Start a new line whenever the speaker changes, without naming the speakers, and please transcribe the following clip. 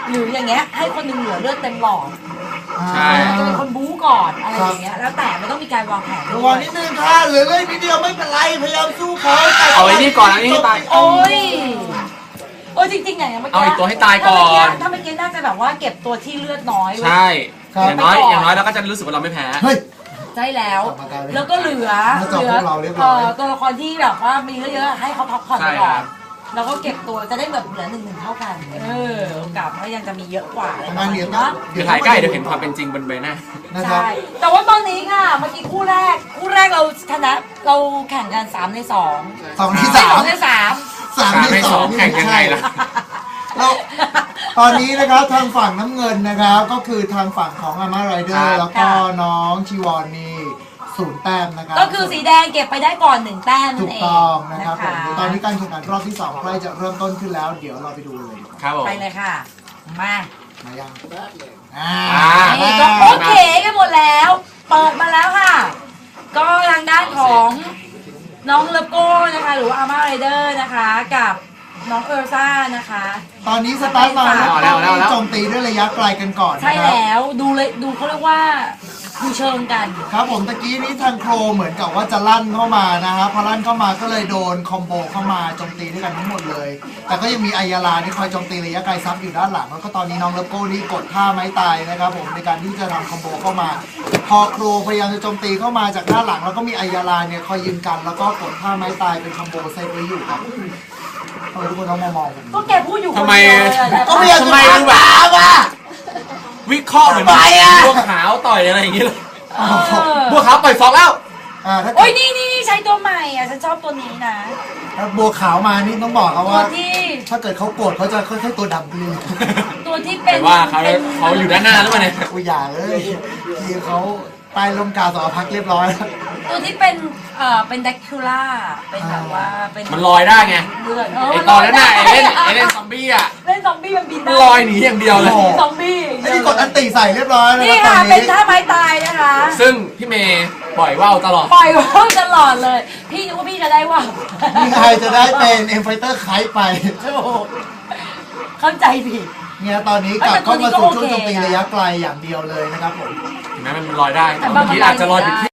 หรืออย่างเงี้ยให้คนหนึงเหลือเลือดเต็มหลอด
ใช่
จะเป็นคนบู๊ก่อนอะไรอย่างเงี้ยแล้วแต่มันต้องมีการวางแผนด้
ระ
ว
วัง
ย
นิดนึงค่ะเหลือเลยนิดเดียวไม่เป็นไรพยายามสู้เขา
เอาไอ้นี่ก่อนเอาไอ้นี่ตาย
โอ้ยจริงๆอย่างเมื่อกี้
เอาอีกตัวให้ตายก่อน
ถ้าเมื่อกี้น่าจะแบบว่าเก็บตัวที่เลือดน้อยไว้
ใช่อย่างน้อยเราก็จะรู้สึกว่าเราไม่แพ้
เฮ้ย
ใช่แล้วแล้วก็เหลือ
น่าจะพวกเราเรียบร้อย
ตัวละครที่แบบว่ามีเยอะๆให้เขาพักผ่อน
ใช่
ไปก่อ
ครั
น
บ
แล้วก็เก็บตัวจะได้แบบเหลือ1-1เท่ากันโอกาสก็ยังจะมีเยอะกว่าอะไรประ
งา
มาณ
นเรียน
นี้เนาะ
เดี๋ยวถ่ายใกล้เดี๋ยวเห็นความเป็นจริงบนใบหน้า
นะครับ
ใช่แต่ว่าตอนนี้ค่ะเมื่อกี้คู่แรกเราชนะเราแข่งกัน3 ใน 2
2 ที่
ไม่
3
2 ใน 3
3 ที่ 2
แข่งยังไงล่ะ
แล้วตอนนี้นะครับทางฝั่งน้ำเงินนะครับก็คือทางฝั่งของอาม่าไรเดอ
ครั
ร์
บ
แล้วก็น้องชีวอนนี่0 แต้มนะครับ
ก็คือสีแดงเก็บไปได้ก่อน1 แต้ม
ถู
นั่น
ก
เอง
ต้องนะครับผม
นะคะ
ตอนนี้การแข่งขันรอบที่2ใกล้จะเริ่มต้นขึ้นแล้ว เดี๋ยวเราไปดูเลย
ครับผม
ไปเลยค่ะ มา
มายัง
นี่ก็โอเคกันหมดแล้ว เปิดมาแล้วค่ะ ก็ทางด้านของน้องเลโก้นะคะหรือว่าอาม่าไรเดอร์นะคะกับน้องเอลซ่านะคะ
ตอนนี้สตาร์ทมาแล้ว
เอาแล้ว
โจมตีด้วยระยะไกลกันก่อน
ใช่
นะครับ
แล้วดูเขาเรียกว่าดูเชิงกัน
ครับผมตะกี้นี้ทางโครเหมือนกับว่าจะลั่นเข้ามานะครับพอลั่นเข้ามาก็เลยโดนคอมโบเข้ามาโจมตีด้วยกันทั้งหมดเลย แต่ก็ยังมีอายาลาที่คอยโจมตีระยะไกลซับอยู่ด้านหลังแล้วก็ตอนนี้น้องเลโก้นี่กดท่าไม้ตายนะครับผมในการที่จะทำคอมโบเข้ามา พอโครพยายามจะโจมตีเข้ามาจากด้านหลังแล้วก็มีอายาลาเนี่ยคอยยืนกันแล้วก็กดท่าไม้ตายเป็นคอมโบเซฟไว้อยู่ครับทำไมทุกคนต้องมามองผม
ก็แกพูดอยู่คน
ทำไม
เดียวเลยอะ
ก็ไม่อยาก
ทำ
จะ
ไม
ถามอ่ะ
วิเคราะห์เหมือน
ทำไมอะ
บัวขาวต่อยอะไรอย่างงี้เลย
เออ
บัวขาวต่อยฟอกแล้ว
ถ้า
โอ้ยนี่ใช้ตัวใหม่อ่ะฉันชอบตัวนี้นะ
ถ้าบัวขาวมานี่ต้องบอกเขา
ตัว
ว่า
ที่
ถ้าเกิดเขาโกรธเขาจะค่อยๆตัวดำขึ้น
ตัวที่เป็
แต่
น
ว่าเขาอยู่ด้านหน้าหรือเปล่าเนี่ย
กูอย่าเลยทีเขาใต้ลมกาสอพักเรียบร้อยแล้ว
ตัวที่เป็นแดกคูล่าเป็นแบบว่าเป็น
มันลอยได้ไง
เลือด
ไอตอนนั้นน่ะไอเล่นซอมบี้อ่ะ
เล่นซอมบี้มันบิน
มัน
ได้
ลอยหนีอย่างเดียวเลย
ซอมบี้
ไอ้นี่กดอันติใส่เรียบร้อยแล้ว
นี่
นะตอ
ค่ะ
น
เป็น
นี้
ท่าไม้ตายนะคะ
ซึ่งพี่เมย์ปล่อยว่าวตลอด
ปล่อยว่าวตลอดเลย พี่นึกว่าพี่จะได้ว่าว
นี่ใครจะได้เป็นเอ็มไฟเตอร์ไคไป
โอ้โหเข้าใจผิด
เนี่ยตอนนี้กลับเข้ามาสู่ช่วงโจมตีระยะไกลอย่างเดียวเลยนะครับผม
ถึงแม้มันลอยได้แต่
แต่บาง
บางทีอาจจะลอยผิดที่